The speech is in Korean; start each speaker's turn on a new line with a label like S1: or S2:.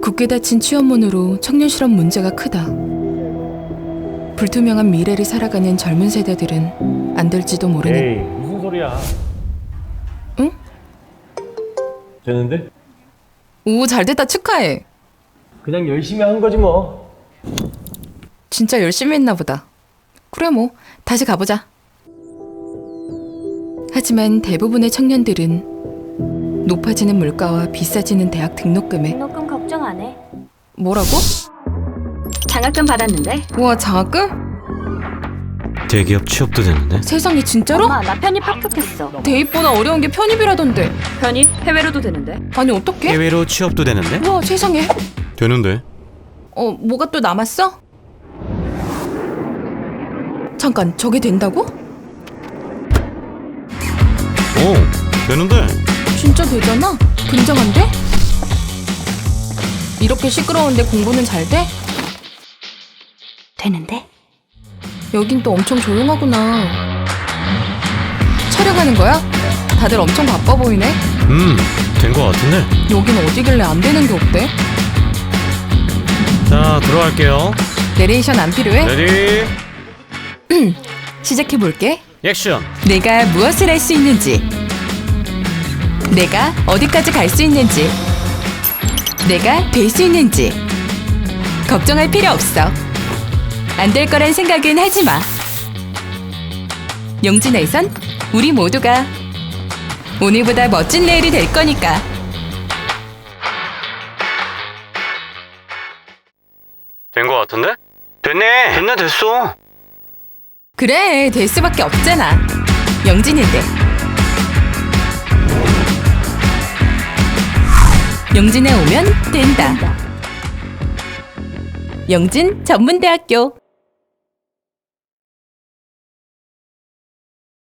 S1: 굳게 닫힌 취업문으로 청년 실업 문제가 크다. 불투명한 미래를 살아가는 젊은 세대들은 안 될지도 모르는.
S2: 에이, 무슨 소리야?
S1: 응?
S2: 되는데?
S1: 오, 잘됐다. 축하해.
S2: 그냥 열심히 한 거지 뭐.
S1: 진짜 열심히 했나 보다. 그래 뭐 다시 가보자. 하지만 대부분의 청년들은 높아지는 물가와 비싸지는 대학 등록금에
S3: 등록금 걱정 안 해.
S1: 뭐라고?
S3: 장학금 받았는데?
S1: 우와, 장학금?
S4: 대기업 취업도 되는데?
S1: 세상에, 진짜로?
S3: 엄마, 나 편입 합격했어.
S1: 대입보다 어려운 게 편입이라던데.
S3: 편입 해외로도 되는데?
S1: 아니 어떡해?
S4: 해외로 취업도 되는데?
S1: 우와, 세상에.
S4: 되는데?
S1: 뭐가 또 남았어? 잠깐, 저게 된다고?
S4: 오, 되는데?
S1: 진짜 되잖아? 굉장한데? 이렇게 시끄러운데 공부는 잘 돼?
S3: 되는데?
S1: 여긴 또 엄청 조용하구나. 촬영하는 거야? 다들 엄청 바빠 보이네?
S4: 된 거 같은데?
S1: 여긴 어디길래 안 되는 게 없대?
S4: 자, 들어갈게요.
S1: 내레이션 안 필요해?
S4: 레디,
S1: 시작해볼게.
S4: 액션!
S1: 내가 무엇을 할 수 있는지, 내가 어디까지 갈 수 있는지, 내가 될 수 있는지 걱정할 필요 없어. 안 될 거란 생각은 하지 마. 용진에선 우리 모두가 오늘보다 멋진 내일이 될 거니까.
S4: 된 거 같은데? 됐네! 됐어!
S1: 그래, 될 수밖에 없잖아. 영진인데. 영진에 오면 된다. 영진 전문대학교.